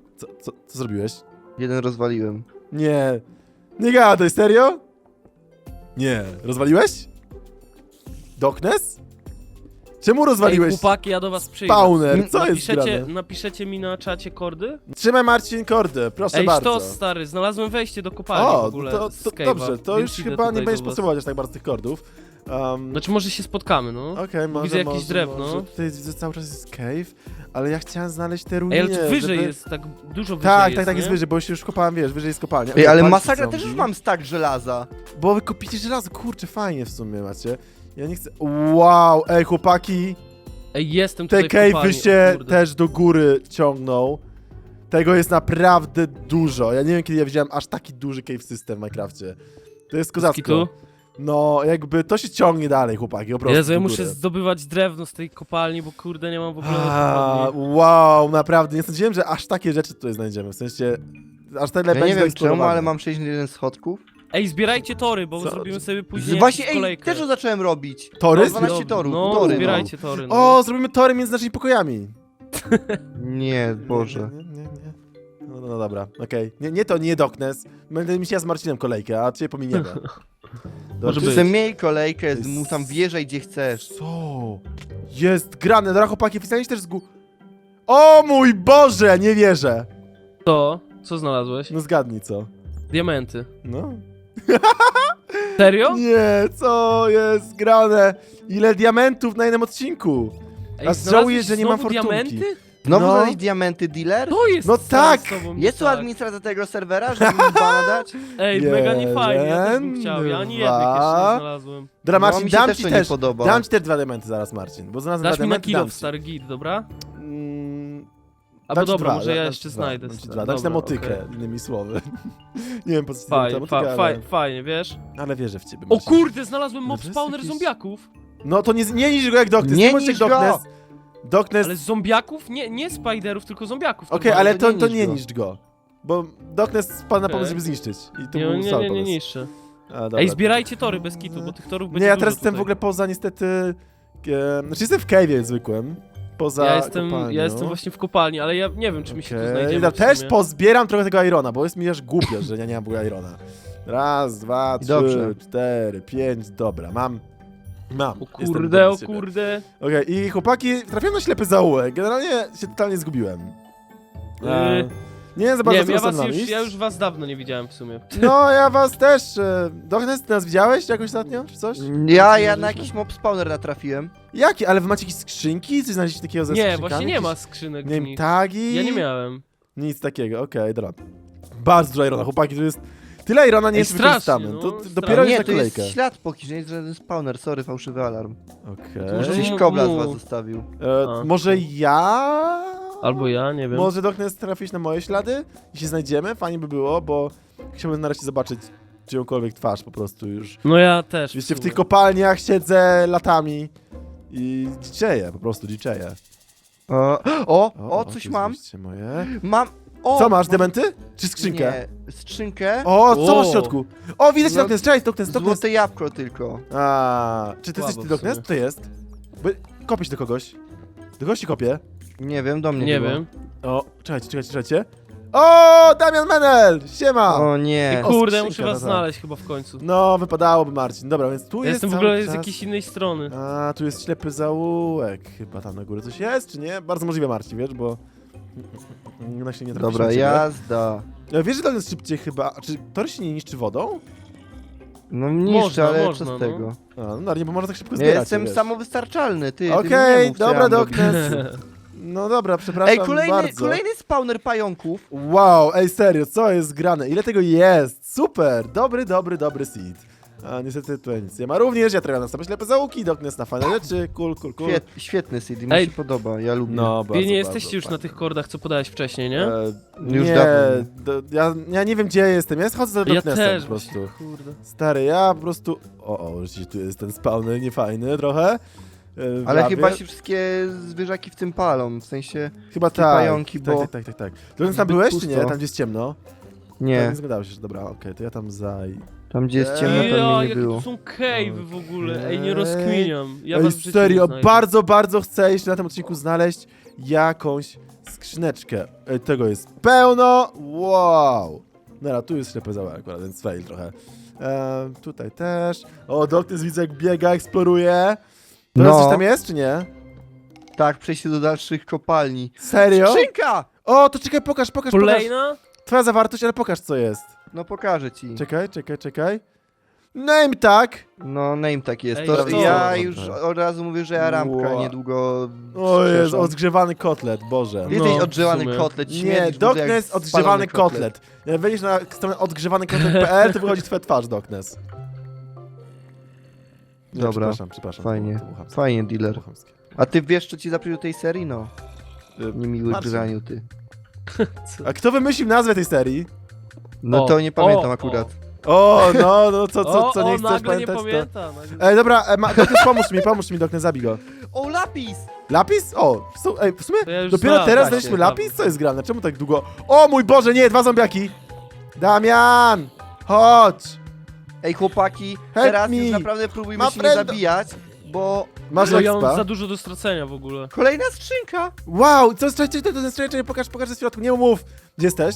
Speaker 1: Co zrobiłeś?
Speaker 2: Jeden rozwaliłem.
Speaker 1: Nie. Nie gadaj, serio? Nie. Rozwaliłeś? Doknes? Czemu rozwaliłeś
Speaker 3: chłopaki, ja do was przyjdę.
Speaker 1: spawner? Co jest grane?
Speaker 3: Napiszecie mi na czacie kordy?
Speaker 1: Trzymaj Marcin kordy, proszę
Speaker 3: Ej,
Speaker 1: bardzo.
Speaker 3: sztos, stary, znalazłem wejście do kopalni w
Speaker 1: O,
Speaker 3: ogóle
Speaker 1: to
Speaker 3: z cave'a,
Speaker 1: dobrze, to
Speaker 3: więc
Speaker 1: już
Speaker 3: idę
Speaker 1: chyba nie
Speaker 3: tutaj
Speaker 1: będziesz
Speaker 3: do was.
Speaker 1: potrzebować aż tak bardzo tych kordów.
Speaker 3: Znaczy może się spotkamy, no.
Speaker 1: Okej, może,
Speaker 3: widzę jakieś
Speaker 1: może,
Speaker 3: drewno.
Speaker 1: Może. Tutaj widzę cały czas jest cave, ale ja chciałem znaleźć te
Speaker 3: Ej,
Speaker 1: ruiny,
Speaker 3: ale tu wyżej
Speaker 1: żeby...
Speaker 3: jest, tak dużo wyżej
Speaker 1: Tak,
Speaker 3: jest,
Speaker 1: tak, tak,
Speaker 3: nie?
Speaker 1: jest wyżej, bo już kopałem, wiesz, wyżej jest kopalnia.
Speaker 2: Ej, ale
Speaker 1: Kopalki
Speaker 2: masakra,
Speaker 1: zombie.
Speaker 2: też już mam stack żelaza.
Speaker 1: Bo wy kopicie żelazo, kurczę, fajnie w sumie macie. Ja nie chcę... Wow, ej chłopaki,
Speaker 3: Ej, jestem
Speaker 1: te
Speaker 3: tutaj w
Speaker 1: cave'y
Speaker 3: kopalni,
Speaker 1: się
Speaker 3: o kurde.
Speaker 1: też do góry ciągną. Tego jest naprawdę dużo. Ja nie wiem, kiedy ja widziałem aż taki duży cave system w Minecrafcie. To jest kozacko.
Speaker 3: Skitu?
Speaker 1: No, jakby to się ciągnie dalej, chłopaki, po prostu.
Speaker 3: Jezu, ja
Speaker 1: do
Speaker 3: muszę
Speaker 1: góry.
Speaker 3: zdobywać drewno z tej kopalni, bo kurde nie mam w ogóle kopalni.
Speaker 1: Wow, naprawdę, nie sądziłem, że aż takie rzeczy tutaj znajdziemy, w sensie... Aż tyle
Speaker 2: Ja
Speaker 1: będzie
Speaker 2: nie wiem czemu,
Speaker 1: zaeksplorowane.
Speaker 2: ale mam 61 schodków.
Speaker 3: Ej, zbierajcie tory, bo
Speaker 1: Co?
Speaker 3: zrobimy sobie później
Speaker 2: Właśnie,
Speaker 3: jakąś
Speaker 2: ej,
Speaker 3: kolejkę.
Speaker 2: też to zacząłem robić.
Speaker 1: Tory?
Speaker 2: Mam 12
Speaker 3: Dobra,
Speaker 2: torów,
Speaker 3: no,
Speaker 2: tory,
Speaker 3: zbierajcie tory, no.
Speaker 1: O, zrobimy tory między naszymi pokojami.
Speaker 2: Nie, Boże.
Speaker 1: Nie. No dobra, okej. Nie to, nie Doknes. Będę mi się ja z Marcinem kolejkę, a cię pominiemy.
Speaker 3: Może
Speaker 1: czy-
Speaker 3: być.
Speaker 2: Chcę miej kolejkę,
Speaker 1: jest-
Speaker 2: mu tam wjeżdżaj gdzie chcesz.
Speaker 1: Co? Jest grane, dobra chłopaki, oficjalnie się też O mój Boże, nie wierzę.
Speaker 3: To? Co znalazłeś?
Speaker 1: No zgadnij co.
Speaker 3: Diamenty.
Speaker 1: No.
Speaker 3: Serio?
Speaker 1: Nie, co jest grane? Ile diamentów na jednym odcinku?
Speaker 3: Ej,
Speaker 1: A żałuję, że nie mam
Speaker 3: znowu
Speaker 1: fortunki.
Speaker 3: diamenty?
Speaker 2: Znowu
Speaker 1: No.
Speaker 2: znaleźć diamenty dealer?
Speaker 3: To jest
Speaker 1: No
Speaker 3: stary
Speaker 1: tak!
Speaker 3: z tobą,
Speaker 2: Jest tu
Speaker 3: tak.
Speaker 2: administracja tego serwera, żeby mi bana dać?
Speaker 3: Ej, mega nie fajnie, ja też bym
Speaker 1: Jeden,
Speaker 3: chciał, ja ani
Speaker 1: dwa.
Speaker 3: jednych jeszcze nie znalazłem.
Speaker 1: Dobra,
Speaker 2: No,
Speaker 1: Marcin,
Speaker 2: mi się
Speaker 1: dam
Speaker 2: też
Speaker 1: ci
Speaker 2: to
Speaker 1: też.
Speaker 2: nie podoba.
Speaker 1: Dam ci też 2 diamenty zaraz, Marcin, bo znalazłem
Speaker 3: Dasz
Speaker 1: 2
Speaker 3: mi na
Speaker 1: diamenty,
Speaker 3: kilo
Speaker 1: dam
Speaker 3: w
Speaker 1: ci.
Speaker 3: stary git, dobra?
Speaker 1: Mm,
Speaker 3: Albo
Speaker 1: dam ci
Speaker 3: dobra,
Speaker 1: 2,
Speaker 3: może ja
Speaker 1: dam
Speaker 3: jeszcze
Speaker 1: ci 2,
Speaker 3: znajdę.
Speaker 1: Dam ci
Speaker 3: stary.
Speaker 1: 2, dam ci na
Speaker 3: Dobra,
Speaker 1: motykę,
Speaker 3: okej.
Speaker 1: innymi słowy. Nie wiem po co ci dam
Speaker 3: Fajnie,
Speaker 1: motykę, ale,
Speaker 3: fajnie, wiesz?
Speaker 1: ale wierzę w ciebie,
Speaker 3: O
Speaker 1: Marcin.
Speaker 3: kurde, znalazłem
Speaker 1: Ale
Speaker 3: mob
Speaker 1: to jest
Speaker 3: spawner
Speaker 1: jakiś-
Speaker 3: zombiaków.
Speaker 1: No to nie niż go jak Doknes,
Speaker 2: Nie
Speaker 1: bądź jak
Speaker 2: niż go!
Speaker 1: Doknes. Doknes,
Speaker 3: Ale zombiaków? Nie spiderów, tylko zombiaków.
Speaker 1: okej,
Speaker 3: normalnie.
Speaker 1: ale to
Speaker 2: nie
Speaker 1: nie
Speaker 2: niszcz go.
Speaker 1: niszcz go. Bo Doknes spadł na
Speaker 3: Okej.
Speaker 1: pomysł, żeby zniszczyć. I to
Speaker 3: Nie,
Speaker 1: był
Speaker 3: nie,
Speaker 1: słaby
Speaker 3: nie, nie
Speaker 1: pomysł.
Speaker 3: niszczę.
Speaker 1: A, dobra.
Speaker 3: Ej, zbierajcie tory bez kitu, bo tych torów będzie
Speaker 1: Nie, ja
Speaker 3: dużo
Speaker 1: teraz jestem
Speaker 3: tutaj.
Speaker 1: w ogóle poza niestety... Znaczy jestem w cave'ie zwykłym. Poza
Speaker 3: Ja
Speaker 1: kopalnią.
Speaker 3: jestem właśnie w kopalni, ale ja nie wiem, czy mi się tu
Speaker 1: Okej,
Speaker 3: znajdziemy
Speaker 1: ja
Speaker 3: w
Speaker 1: też
Speaker 3: sumie.
Speaker 1: pozbieram trochę tego Irona, bo jest mi aż głupio, że ja nie mam w ogóle Irona. Raz, dwa, trzy,
Speaker 2: Dobrze.
Speaker 1: 4, 5, dobra, mam.
Speaker 3: O
Speaker 1: Jestem
Speaker 3: kurde,
Speaker 1: dumny
Speaker 3: o
Speaker 1: z siebie.
Speaker 3: kurde.
Speaker 1: Okej, i chłopaki, trafiłem na ślepy zaułek, generalnie się totalnie zgubiłem. Nie wiem za bardzo,
Speaker 3: Nie wiem,
Speaker 1: co tam iść.
Speaker 3: ja już was dawno nie widziałem w sumie.
Speaker 1: No, ja was też... Doknes, ty nas widziałeś jakoś ostatnio, czy coś?
Speaker 2: Ja na jakiś mob spawner natrafiłem.
Speaker 1: Jaki? Ale wy macie jakieś skrzynki? Coś znaleźliście takiego ze
Speaker 3: Nie,
Speaker 1: skrzynkami?
Speaker 3: właśnie nie
Speaker 1: Jakieś,
Speaker 3: ma skrzynek
Speaker 1: Nie
Speaker 3: w
Speaker 1: wiem,
Speaker 3: nich.
Speaker 1: tagi?
Speaker 3: Ja nie miałem.
Speaker 1: Nic takiego, okej, dobra. Bardzo dużo Irona, chłopaki, tu jest... Tyle Irona nie
Speaker 3: Ej,
Speaker 1: jest
Speaker 3: strasznie,
Speaker 1: wykorzystamy.
Speaker 3: no,
Speaker 1: To
Speaker 3: strasznie.
Speaker 1: dopiero jest
Speaker 2: Nie,
Speaker 1: na
Speaker 2: to jest
Speaker 1: kolejkę.
Speaker 2: ślad po kimś, nie jest żaden spawner, sorry, fałszywy alarm.
Speaker 3: Może
Speaker 1: Okej.
Speaker 2: Gdzieś kobla z was
Speaker 3: mu.
Speaker 2: zostawił.
Speaker 3: A.
Speaker 1: Może ja...
Speaker 3: Albo ja, nie wiem.
Speaker 1: Może Doknes trafić na moje ślady i się znajdziemy? Fajnie by było, bo chciałbym nareszcie zobaczyć czyjąkolwiek twarz po prostu już.
Speaker 3: No ja też.
Speaker 1: Wiecie, w
Speaker 3: sumie.
Speaker 1: tych kopalniach siedzę latami i dziczeję, po prostu dziczeję.
Speaker 2: O,
Speaker 1: to
Speaker 2: coś
Speaker 1: jest
Speaker 2: mam.
Speaker 1: wyjście moje.
Speaker 2: Mam. O,
Speaker 1: Co masz,
Speaker 2: mam-
Speaker 1: diamenty? Czy skrzynkę?
Speaker 2: Nie, skrzynkę.
Speaker 1: O, co masz w
Speaker 3: O.
Speaker 1: środku? O, widać
Speaker 2: No,
Speaker 1: Doknes, cześć, Doknes.
Speaker 2: Złote jabłko tylko.
Speaker 1: A, czy ty
Speaker 3: Słabo
Speaker 1: jesteś
Speaker 3: w
Speaker 1: Doknes?
Speaker 3: sumie.
Speaker 1: To jest. Bo kopię się do kogoś. Do kogoś się kopię.
Speaker 2: Nie wiem, do mnie
Speaker 3: Nie
Speaker 2: chyba.
Speaker 3: wiem.
Speaker 1: O, czekajcie. O, Damian Menel! Siema!
Speaker 2: O nie.
Speaker 1: O,
Speaker 3: Kurde,
Speaker 1: skrzynka,
Speaker 3: muszę
Speaker 1: no
Speaker 3: was
Speaker 1: tak.
Speaker 3: znaleźć chyba w końcu.
Speaker 1: No, wypadałoby, Marcin. Dobra, więc tu
Speaker 3: Ja
Speaker 1: jest
Speaker 3: jestem w
Speaker 1: cały
Speaker 3: ogóle z
Speaker 1: czas...
Speaker 3: jakiejś innej strony.
Speaker 1: A, tu jest ślepy zaułek. Chyba tam na górze coś jest, czy nie? Bardzo możliwe, Marcin, wiesz, bo... No się nie trafi
Speaker 2: Dobra,
Speaker 1: się na ciebie.
Speaker 2: jazda.
Speaker 1: Wiesz, że to jest szybciej chyba... A czy tor się nie niszczy wodą?
Speaker 2: No niszczę,
Speaker 3: Można,
Speaker 2: ale
Speaker 3: można,
Speaker 2: co
Speaker 3: no.
Speaker 2: z tego?
Speaker 1: A, no nie, bo można tak szybko
Speaker 2: Ja
Speaker 1: zbierać,
Speaker 2: jestem
Speaker 1: wiesz.
Speaker 2: samowystarczalny, ty. ty mi nie
Speaker 1: Okej,
Speaker 2: mów, co
Speaker 1: dobra,
Speaker 2: ja mam robić.
Speaker 1: Doknes. No dobra, przepraszam
Speaker 2: Ej,
Speaker 1: bardzo.
Speaker 2: kolejny spawner pająków.
Speaker 1: Wow, ej, serio, co jest grane? Ile tego jest? Super, dobry seed. A niestety tutaj nic nie ma. Również ja trafiam na same ślepe zaułki, Doknes na fajne rzeczy, cool.
Speaker 2: Świetny seed, mi
Speaker 3: Ej.
Speaker 2: się podoba, ja lubię.
Speaker 1: No,
Speaker 3: Wy
Speaker 1: bardzo,
Speaker 3: nie jesteście
Speaker 1: bardzo
Speaker 3: już na
Speaker 1: fajnie.
Speaker 3: tych kordach, co podałeś wcześniej, nie?
Speaker 2: Już
Speaker 1: nie,
Speaker 2: dawno.
Speaker 1: ja nie wiem, gdzie ja jestem. Ja schodzę za
Speaker 3: Ja
Speaker 1: Doknesem
Speaker 3: też
Speaker 1: po prostu.
Speaker 3: właśnie, kurde.
Speaker 1: Stary, ja po prostu... O, rzeczywiście tu jest ten spawner niefajny trochę. W
Speaker 2: Ale
Speaker 1: lawie.
Speaker 2: chyba się wszystkie zwierzaki w tym palą, w sensie...
Speaker 1: Chyba
Speaker 2: te
Speaker 1: tak.
Speaker 2: pająki, bo-
Speaker 1: Tak. Doknes, tam
Speaker 2: zbyt
Speaker 1: byłeś, czy
Speaker 2: pusto.
Speaker 1: nie? Tam, gdzie jest ciemno?
Speaker 2: Nie,
Speaker 1: Nie zgadałeś się, że dobra, okej, to ja tam
Speaker 2: tam gdzie jest ciemno,
Speaker 3: Ja,
Speaker 2: tam mnie nie
Speaker 3: jakie
Speaker 2: było.
Speaker 3: tu są cave'y w ogóle. Ej, nie
Speaker 1: Okej.
Speaker 3: rozkminiam. Ja
Speaker 1: Ej,
Speaker 3: was w życiu
Speaker 1: serio,
Speaker 3: nie znajdę.
Speaker 1: bardzo chcę jeszcze na tym odcinku znaleźć jakąś skrzyneczkę. Ej, tego jest pełno, wow. Dobra, tu jest ślepy zaułek akurat, więc fail trochę. Tutaj też. O, Doknes widzę jak biega, eksploruje. To
Speaker 2: No.
Speaker 1: coś tam jest, czy nie?
Speaker 2: Tak, przejście do dalszych kopalni.
Speaker 1: Serio?
Speaker 2: Skrzynka!
Speaker 1: O, to czekaj, pokaż.
Speaker 3: Kolejna?
Speaker 1: Twoja zawartość, ale pokaż, co jest.
Speaker 2: No pokażę ci.
Speaker 1: Czekaj. Name tag.
Speaker 2: No, name tak jest.
Speaker 3: Ej,
Speaker 2: To
Speaker 3: co?
Speaker 2: ja już od razu mówię, że ja rampka
Speaker 1: Wow.
Speaker 2: niedługo.
Speaker 1: O jest,
Speaker 2: strzeżą.
Speaker 1: odgrzewany kotlet, Boże.
Speaker 3: No,
Speaker 2: Jesteś
Speaker 3: w
Speaker 2: odgrzewany
Speaker 3: sumie.
Speaker 2: kotlet,
Speaker 1: Nie,
Speaker 2: śmierdzisz,
Speaker 1: Doknes odgrzewany kotlet. Jak wejdziesz na stronę odgrzewany-kotlet.pl, to wychodzi twoja twarz, Doknes. Nie,
Speaker 2: Dobra,
Speaker 1: przepraszam.
Speaker 2: fajnie.
Speaker 1: to było chamskie.
Speaker 2: Fajnie, dealer.
Speaker 1: To było chamskie.
Speaker 2: A ty wiesz, co ci zaprosił do tej serii? No. Niemiły
Speaker 1: Marcin.
Speaker 2: graniu, ty.
Speaker 1: A kto wymyślił nazwę tej serii?
Speaker 2: No
Speaker 3: O,
Speaker 2: to nie pamiętam
Speaker 3: o,
Speaker 2: akurat.
Speaker 1: O, no, co nie chcesz
Speaker 3: nagle
Speaker 1: pamiętać,
Speaker 3: nie
Speaker 1: to...
Speaker 3: pamiętam. Nagle...
Speaker 1: Ej, dobra, Doknes, pomóż mi, Doknes, zabij go.
Speaker 2: O, lapis!
Speaker 1: Lapis? O, ej, w sumie
Speaker 3: To ja już
Speaker 1: dopiero
Speaker 3: znam,
Speaker 1: teraz
Speaker 3: tak,
Speaker 1: znaleźliśmy
Speaker 3: tak.
Speaker 1: lapis? Co jest grane? Czemu tak długo? O mój Boże, nie, 2 zombiaki! Damian! Chodź!
Speaker 2: Ej, chłopaki,
Speaker 1: Help
Speaker 2: teraz
Speaker 1: me.
Speaker 2: już naprawdę próbujmy
Speaker 1: Ma
Speaker 2: się nie
Speaker 1: friend.
Speaker 2: zabijać, bo...
Speaker 1: Masz
Speaker 3: No ja mam
Speaker 1: expa?
Speaker 3: za dużo do stracenia w ogóle.
Speaker 2: Kolejna skrzynka!
Speaker 1: Wow, co jest, czekaj, pokaż ze środku, nie mów. Gdzie jesteś?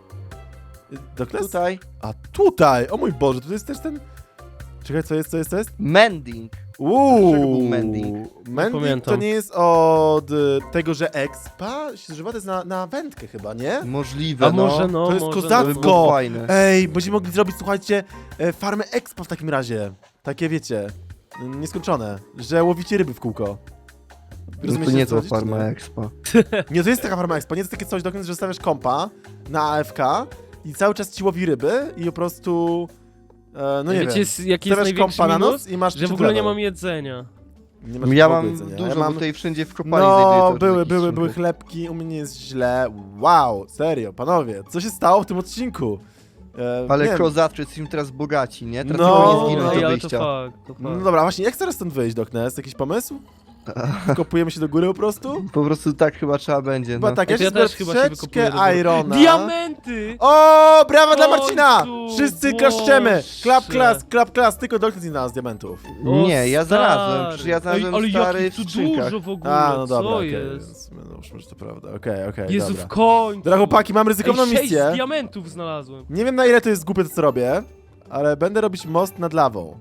Speaker 1: Doknes?
Speaker 2: Tutaj.
Speaker 1: A tutaj, o mój Boże, tutaj jest też ten... Czekaj, co jest?
Speaker 2: Mending. Czego był mending?
Speaker 1: Mending to
Speaker 3: pamiętam.
Speaker 1: nie jest od tego, że expa się zużywa, to jest na wędkę chyba, nie?
Speaker 2: Możliwe,
Speaker 3: A może no,
Speaker 1: To jest
Speaker 3: może
Speaker 1: kozacko.
Speaker 2: To by było fajne.
Speaker 1: Ej, będziemy mogli zrobić, słuchajcie, farmę expa w takim razie. Takie, wiecie, nieskończone, że łowicie ryby w kółko.
Speaker 2: No to
Speaker 1: Rozumiecie,
Speaker 2: nie
Speaker 1: co
Speaker 2: to
Speaker 1: chodzi, czy
Speaker 2: farma
Speaker 1: nie?
Speaker 2: expa.
Speaker 1: Nie, to jest taka farma expa, nie to jest takie coś, Doknes, że stawiasz kompa na AFK i cały czas ci łowi ryby i po prostu, no nie
Speaker 3: Wiecie,
Speaker 1: wiem,
Speaker 3: jaki jest
Speaker 1: stawiasz
Speaker 3: największy
Speaker 1: kompa na
Speaker 3: minus?
Speaker 1: noc i masz
Speaker 3: Że w ogóle nie mam jedzenia.
Speaker 1: Nie masz
Speaker 2: Ja
Speaker 1: w ogóle
Speaker 2: mam
Speaker 1: jedzenia.
Speaker 2: dużo,
Speaker 1: Ja
Speaker 2: bo
Speaker 1: mam...
Speaker 2: tutaj wszędzie w kopalni
Speaker 1: No,
Speaker 2: znajduję cały czas
Speaker 1: były
Speaker 2: jakieś
Speaker 1: chlebki, u mnie jest źle. Wow, serio, panowie, co się stało w tym odcinku?
Speaker 2: Ale
Speaker 1: nie wiem.
Speaker 2: kozatrzy, jesteśmy teraz bogaci, nie? Teraz
Speaker 1: No,
Speaker 2: nie
Speaker 1: no,
Speaker 2: mogę zginąć
Speaker 3: ej,
Speaker 2: do
Speaker 3: ale to
Speaker 2: wyjścia.
Speaker 3: fakt, to
Speaker 1: No
Speaker 3: fakt.
Speaker 1: dobra, właśnie, jak teraz stąd wyjść, Doknes? Jakiś pomysł? Kopujemy się do góry po prostu?
Speaker 2: Po prostu tak chyba trzeba będzie,
Speaker 1: Chyba
Speaker 2: no.
Speaker 1: tak,
Speaker 3: Ja
Speaker 1: ja się
Speaker 3: też chyba się
Speaker 1: troszeczkę
Speaker 3: wykopuję do góry.
Speaker 1: Irona.
Speaker 3: Diamenty!
Speaker 1: O, brawa dla Marcina!
Speaker 3: Końcu,
Speaker 1: Wszyscy klaszczemy! Klap,
Speaker 3: Boże.
Speaker 1: klas, tylko Doknes nie znalazł diamentów.
Speaker 3: O,
Speaker 2: Nie, ja
Speaker 3: stary.
Speaker 2: znalazłem, przecież ja znalazłem
Speaker 3: Ej, ale
Speaker 2: stary
Speaker 3: jakich
Speaker 2: w
Speaker 3: tu
Speaker 2: skrzynkach.
Speaker 3: dużo w ogóle,
Speaker 1: A, no dobra,
Speaker 3: co
Speaker 1: okej,
Speaker 3: jest?
Speaker 1: no może to prawda, okej,
Speaker 3: Jezu,
Speaker 1: dobra.
Speaker 3: w końcu!
Speaker 1: Dobra, chłopaki, mam ryzykowną
Speaker 3: Ej, 6
Speaker 1: misję.
Speaker 3: diamentów znalazłem.
Speaker 1: Nie wiem, na ile to jest głupie, to co robię, ale będę robić most nad lawą.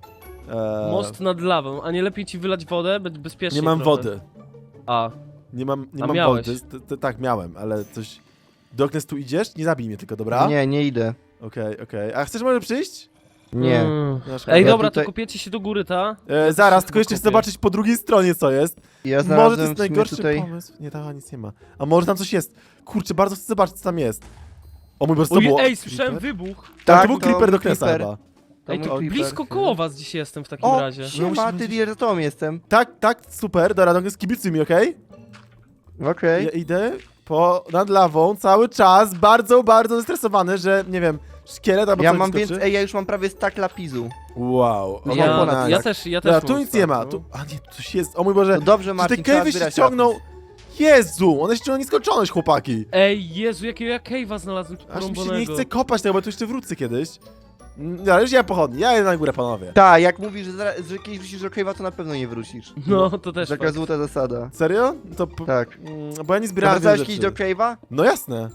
Speaker 3: Most nad lawą, a nie lepiej ci wylać wodę? Być bezpiecznie
Speaker 1: Nie mam
Speaker 3: trochę.
Speaker 1: wody.
Speaker 3: A,
Speaker 1: Nie mam
Speaker 3: A
Speaker 1: wody.
Speaker 3: miałeś?
Speaker 1: Tak, miałem, ale coś... Doknes, tu idziesz? Nie zabij mnie tylko, dobra?
Speaker 2: Nie idę.
Speaker 1: Okej. A chcesz może przyjść?
Speaker 2: Nie.
Speaker 1: No, szkoda.
Speaker 3: Ej,
Speaker 2: Ja
Speaker 3: dobra,
Speaker 2: tutaj-
Speaker 3: to kopiecie się do góry, ta?
Speaker 1: Zaraz,
Speaker 3: się
Speaker 1: tylko jeszcze chcę
Speaker 3: wykopię.
Speaker 1: zobaczyć po drugiej stronie, co jest.
Speaker 2: Ja
Speaker 1: Może to
Speaker 2: znalazłem
Speaker 1: jest
Speaker 2: w sumie
Speaker 1: najgorszy
Speaker 2: tutaj...
Speaker 1: pomysł. Nie, tam nic nie ma. A może tam coś jest. Kurczę, bardzo chcę zobaczyć, co tam jest. O mój Boże, co to
Speaker 3: Oj,
Speaker 1: było?
Speaker 3: ej, słyszałem
Speaker 1: Creeper?
Speaker 3: wybuch.
Speaker 1: Tak, to
Speaker 2: Tak,
Speaker 1: był
Speaker 2: to
Speaker 1: creeper do
Speaker 2: był
Speaker 1: Knesa
Speaker 2: creeper.
Speaker 1: chyba.
Speaker 2: To
Speaker 3: Ej,
Speaker 2: mój
Speaker 3: to
Speaker 2: creeper.
Speaker 3: blisko koło was dziś jestem w takim
Speaker 2: O,
Speaker 3: razie.
Speaker 2: siema, ty dealer, za tobą jestem.
Speaker 1: Tak, super, dobra, Doknes, kibicuj mi, okej?
Speaker 2: Okej.
Speaker 1: Ja idę nad lawą cały czas, bardzo zestresowany, że, nie wiem, szkielet albo
Speaker 2: Ja
Speaker 1: coś
Speaker 2: mam
Speaker 1: wyskoczy.
Speaker 2: więcej, ja już mam prawie stack lapisu.
Speaker 1: Wow.
Speaker 2: Ja
Speaker 1: okej,
Speaker 2: mam ponad
Speaker 1: nice.
Speaker 3: Ja też
Speaker 1: Dobra, tu
Speaker 3: mam
Speaker 1: nic nie ma.
Speaker 3: start,
Speaker 1: Tu,
Speaker 3: no.
Speaker 1: a nie, coś jest. O mój Boże,
Speaker 2: To dobrze,
Speaker 1: czy
Speaker 2: Marcin,
Speaker 1: te
Speaker 2: trzeba
Speaker 1: cave'y się
Speaker 2: zbierać
Speaker 1: ściągną?
Speaker 2: lapis.
Speaker 1: Jezu, one się ściągną nieskończoność, chłopaki.
Speaker 3: Ej, Jezu, jakiego ja cave'a znalazłem tu
Speaker 1: Aż mi się nie
Speaker 3: porąbanego.
Speaker 1: chce kopać tego, bo tu jeszcze wrócę kiedyś. Dobra, już ja pochodni, ja jedę na górę, panowie.
Speaker 2: Tak, jak mówisz, że kiedyś wrócisz do Cave'a, to na pewno nie wrócisz.
Speaker 3: No, to też
Speaker 2: Taka
Speaker 3: fakt.
Speaker 2: złota zasada.
Speaker 1: Serio? To
Speaker 2: Tak.
Speaker 1: bo ja nie zbierałem wielu
Speaker 2: Wracałeś kiedyś do
Speaker 1: rzeczy.
Speaker 2: Cave'a?
Speaker 1: No jasne.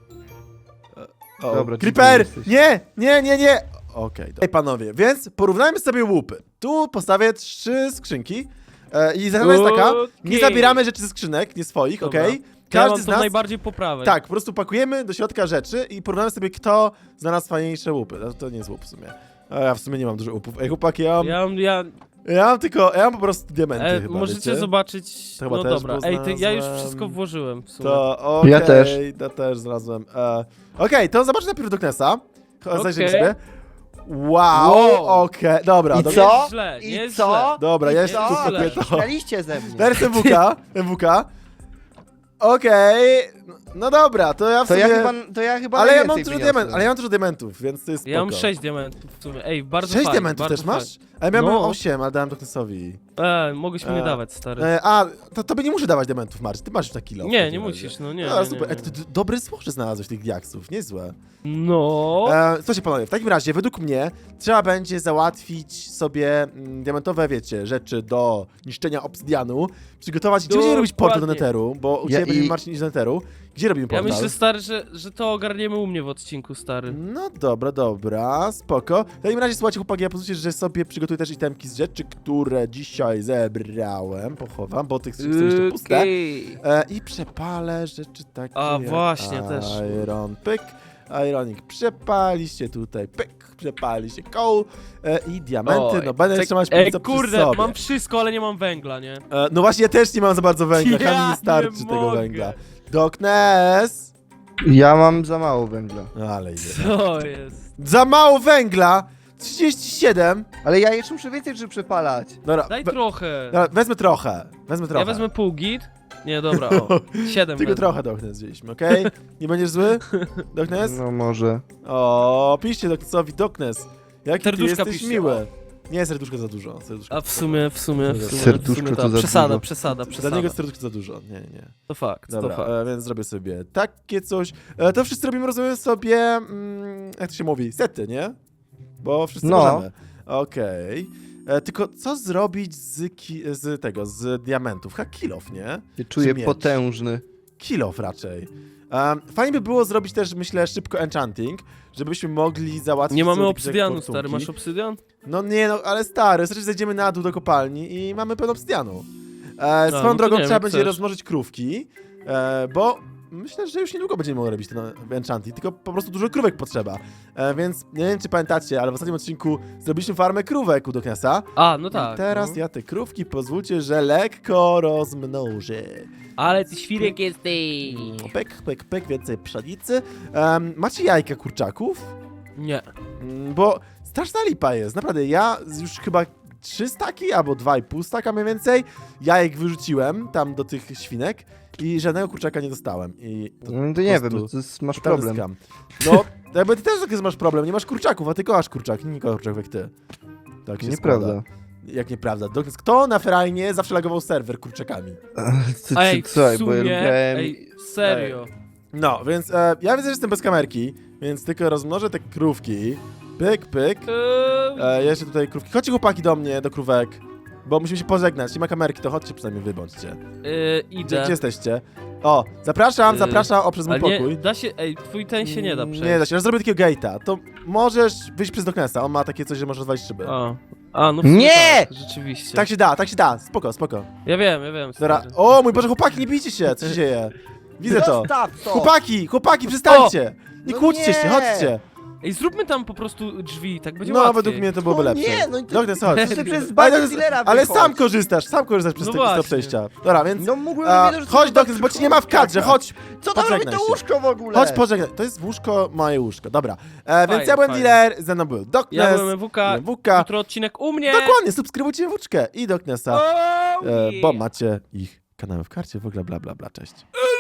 Speaker 1: O,
Speaker 2: Dobra,
Speaker 1: Creeper!
Speaker 2: dziękuję,
Speaker 1: Nie! Okej, dobra. Ej, panowie, więc porównajmy sobie łupy. Tu postawię 3 skrzynki. I zasada jest taka, nie
Speaker 3: Okej.
Speaker 1: zabieramy rzeczy ze skrzynek, nie swoich,
Speaker 3: Dobra.
Speaker 1: okej?
Speaker 3: Ja
Speaker 1: Każdy
Speaker 3: mam
Speaker 1: z
Speaker 3: to
Speaker 1: nas...
Speaker 3: najbardziej poprawę.
Speaker 1: Tak, po prostu pakujemy do środka rzeczy i porównamy sobie, kto znalazł fajniejsze łupy. No, to nie jest łup w sumie. A ja w sumie nie mam dużo łupów. Ej, chłopaki, ja mam po prostu diamenty chyba,
Speaker 3: możecie
Speaker 1: wiecie?
Speaker 3: zobaczyć.
Speaker 1: To chyba
Speaker 3: No
Speaker 1: też,
Speaker 3: dobra,
Speaker 1: bo
Speaker 3: ej, ja już
Speaker 1: znalazłem-
Speaker 3: wszystko włożyłem w sumie.
Speaker 1: To okej,
Speaker 2: Ja też.
Speaker 1: to też znalazłem. Okej, to zobaczę najpierw Doknesa. Zajrzyjmy
Speaker 3: Okej.
Speaker 1: sobie. Wow,
Speaker 3: Wow.
Speaker 1: okej, dobra.
Speaker 2: I
Speaker 1: dobra.
Speaker 2: co?
Speaker 3: Jest źle,
Speaker 2: I
Speaker 3: jest
Speaker 2: co?
Speaker 3: źle.
Speaker 1: Dobra, ja
Speaker 2: I
Speaker 1: jeszcze
Speaker 2: co?
Speaker 1: tu kupię to.
Speaker 2: Śmialiście ze mnie.
Speaker 1: Teraz MWK. Okej, no dobra, to ja w
Speaker 2: To
Speaker 1: sumie...
Speaker 2: ja chyba
Speaker 1: ale ja mam
Speaker 2: najwięcej
Speaker 1: dużo
Speaker 2: wyniosłem.
Speaker 1: diamentów, ale ja mam dużo diamentów, więc to jest
Speaker 3: Ja mam
Speaker 1: spoko.
Speaker 3: 6 diamentów w sumie. Ej, bardzo
Speaker 1: 6
Speaker 3: fajnie,
Speaker 1: diamentów
Speaker 3: bardzo
Speaker 1: też masz?
Speaker 3: fajnie.
Speaker 1: A ja miałem
Speaker 3: No.
Speaker 1: 8, ale dałem Doknesowi.
Speaker 3: Mogłeś mi nie dawać, stary.
Speaker 1: To tobie nie muszę dawać diamentów, Marcin, ty masz już na kilo. w
Speaker 3: Nie,
Speaker 1: takim
Speaker 3: nie
Speaker 1: razie.
Speaker 3: musisz, no nie.
Speaker 1: No,
Speaker 3: nie,
Speaker 1: super,
Speaker 3: nie,
Speaker 1: to
Speaker 3: nie.
Speaker 1: dobre złoże znalazłeś tych diaksów, niezłe.
Speaker 3: No.
Speaker 1: Słuchajcie panowie, w takim razie, według mnie, trzeba będzie załatwić sobie diamentowe, wiecie, rzeczy do niszczenia obsydianu, przygotować, gdzie będziemy robić portal do
Speaker 3: Dokładnie.
Speaker 1: Netheru, bo u
Speaker 2: Ja
Speaker 1: ciebie będzie
Speaker 2: i-
Speaker 1: Marcin iść do Netheru. Gdzie robimy
Speaker 3: Ja
Speaker 1: portal?
Speaker 3: myślę, stary, że to ogarniemy u mnie w odcinku, stary.
Speaker 1: No dobra, spoko. W takim razie, słuchajcie, chłopaki, ja pozwólcie, że sobie przygotuję też itemki z rzeczy, które dzisiaj zebrałem. Pochowam, bo tych są jeszcze puste.
Speaker 3: Okej.
Speaker 1: I przepalę rzeczy takie
Speaker 3: A,
Speaker 1: jak
Speaker 3: właśnie, też.
Speaker 1: Iron, pyk. Ironic, przepaliście tutaj, pyk. Przepaliście coal i diamenty.
Speaker 3: Oj,
Speaker 1: No będę
Speaker 3: czek-
Speaker 1: jeszcze mać
Speaker 3: Ej,
Speaker 1: pizza przy
Speaker 3: kurde,
Speaker 1: sobie.
Speaker 3: mam wszystko, ale nie mam węgla, nie?
Speaker 1: No właśnie, ja też nie mam za bardzo węgla.
Speaker 3: Ja
Speaker 1: Kamień nie starczy
Speaker 3: nie
Speaker 1: tego
Speaker 3: mogę.
Speaker 1: węgla. Darkness!
Speaker 2: Ja mam za mało węgla.
Speaker 1: Ale idzie.
Speaker 3: Co jest?
Speaker 1: Za mało węgla! 37!
Speaker 2: Ale ja jeszcze muszę więcej rzeczy przepalać.
Speaker 1: Dobra,
Speaker 3: Daj trochę.
Speaker 1: dobra, wezmę trochę.
Speaker 3: Ja wezmę pół git. Nie, dobra, o. 7
Speaker 1: Tylko trochę Darkness wzięliśmy, okej? Nie będziesz zły? Darkness?
Speaker 2: No może.
Speaker 1: O, piszcie Darknessowi Darkness. Jaki ty
Speaker 3: Serduszka
Speaker 1: jesteś
Speaker 3: piszcie,
Speaker 1: miły. Nie, serduszko za dużo. Serduszko
Speaker 3: A w sumie
Speaker 2: Serduszko to za
Speaker 3: przesada,
Speaker 2: dużo.
Speaker 3: przesada,
Speaker 1: Dla
Speaker 3: przesada.
Speaker 1: niego serduszko za dużo. Nie.
Speaker 3: To fakt,
Speaker 1: Dobra,
Speaker 3: to fakt.
Speaker 1: więc zrobię sobie takie coś. To wszyscy robimy, rozumiem sobie, jak to się mówi, sety, nie? Bo wszyscy
Speaker 2: No.
Speaker 1: możemy. Okej. Tylko co zrobić z diamentów? Chyba kilof, nie?
Speaker 2: Się czuję
Speaker 1: miecz?
Speaker 2: potężny.
Speaker 1: Kilof raczej. Fajnie by było zrobić też, myślę, szybko enchanting, żebyśmy mogli załatwić...
Speaker 3: Nie mamy
Speaker 1: sobie jakieś
Speaker 3: obsydianu,
Speaker 1: fortunki.
Speaker 3: stary. Masz obsydian?
Speaker 1: No nie, no ale stary, znaczy zejdziemy na dół do kopalni i mamy pełno obsydianu.
Speaker 3: no
Speaker 1: Swoją
Speaker 3: to
Speaker 1: drogą
Speaker 3: nie wiem,
Speaker 1: trzeba
Speaker 3: jak
Speaker 1: będzie
Speaker 3: chcesz.
Speaker 1: rozmnożyć krówki, bo myślę, że już niedługo będziemy mogli robić ten enchanting, tylko po prostu dużo krówek potrzeba. Więc nie wiem, czy pamiętacie, ale w ostatnim odcinku zrobiliśmy farmę krówek u Darknessa.
Speaker 3: A, no tak.
Speaker 1: I teraz
Speaker 3: no.
Speaker 1: ja te krówki pozwólcie, że lekko rozmnożę.
Speaker 3: Ale ty świrek jesteś.
Speaker 1: Pyk, więcej pszenicy. Macie jajka kurczaków?
Speaker 3: Nie.
Speaker 1: Bo straszna lipa jest, naprawdę. Ja już chyba 3 staki albo 2,5 staka mniej więcej jajek wyrzuciłem tam do tych świnek i żadnego kurczaka nie dostałem. I
Speaker 2: No to nie
Speaker 1: prostu
Speaker 2: wiem, to jest, masz
Speaker 1: totalny
Speaker 2: problem.
Speaker 1: skam. No, jakby ty też taki masz problem, nie masz kurczaków, a ty kochasz kurczak, nie kochasz kurczaków jak ty. Tak się
Speaker 2: Nieprawda.
Speaker 1: składa. Jak nieprawda? Kto na ferajnie zawsze lagował serwer kurczakami?
Speaker 3: Ej, w
Speaker 2: Słuchaj, bo ja
Speaker 3: sumie,
Speaker 2: lubiałem...
Speaker 3: ej, serio.
Speaker 1: No, więc ja widzę, że jestem bez kamerki, więc tylko rozmnożę te krówki. Pyk. Jeszcze tutaj krówki. Chodźcie chłopaki do mnie, do krówek. Bo musimy się pożegnać. Nie ma kamerki, to chodźcie przynajmniej wybądźcie.
Speaker 3: Idę.
Speaker 1: Gdzie jesteście? O, zapraszam przez mój
Speaker 3: Ale nie,
Speaker 1: pokój.
Speaker 3: da się, ej, twój ten się nie da przejść.
Speaker 1: Nie da się, ja zrobię takiego gate'a. To możesz wyjść przez Darknessa, on ma takie coś, że możesz rozwalić szyby.
Speaker 3: A, no w sumie
Speaker 2: Nie!
Speaker 3: Tak, rzeczywiście.
Speaker 1: Tak się da, spoko.
Speaker 3: Ja wiem.
Speaker 1: Dobra,
Speaker 3: stary.
Speaker 1: o mój Boże, chłopaki, nie bijcie się, co się dzieje? Widzę to.
Speaker 2: Zostaw to!
Speaker 1: Chłopaki, przestańcie! Nie
Speaker 2: No
Speaker 1: kłóćcie się,
Speaker 2: nie!
Speaker 1: chodźcie.
Speaker 3: Ej, zróbmy tam po prostu drzwi, tak będzie
Speaker 1: No,
Speaker 3: łatwiej.
Speaker 1: według mnie to byłoby
Speaker 2: No
Speaker 1: lepsze.
Speaker 2: nie, no i to-
Speaker 1: Darkness, chodź.
Speaker 2: To ty przez
Speaker 1: Ale,
Speaker 2: bazę dealera
Speaker 1: ale
Speaker 2: wychodź.
Speaker 1: sam korzystasz przez
Speaker 3: No
Speaker 1: te
Speaker 3: właśnie.
Speaker 1: przejścia. Dobra, więc
Speaker 2: No mógłbym
Speaker 1: a,
Speaker 2: wiedzieć, że
Speaker 1: chodź
Speaker 2: to
Speaker 1: Darkness, bo ci nie ma w kadrze, chodź.
Speaker 2: Co tam robi
Speaker 1: pożegnaj
Speaker 2: to
Speaker 1: się.
Speaker 2: łóżko w ogóle?
Speaker 1: Chodź pożegnaj. To jest łóżko, moje łóżko. Dobra, więc ja byłem
Speaker 3: fajnie.
Speaker 1: dealer, ze mną był Darkness,
Speaker 3: Ja byłem MWK, jutro odcinek u mnie.
Speaker 1: Dokładnie, subskrybujcie MWczkę i Darknessa,
Speaker 3: Oh,
Speaker 1: bo
Speaker 3: yeah.
Speaker 1: macie ich kanały w karcie, w ogóle bla, cześć.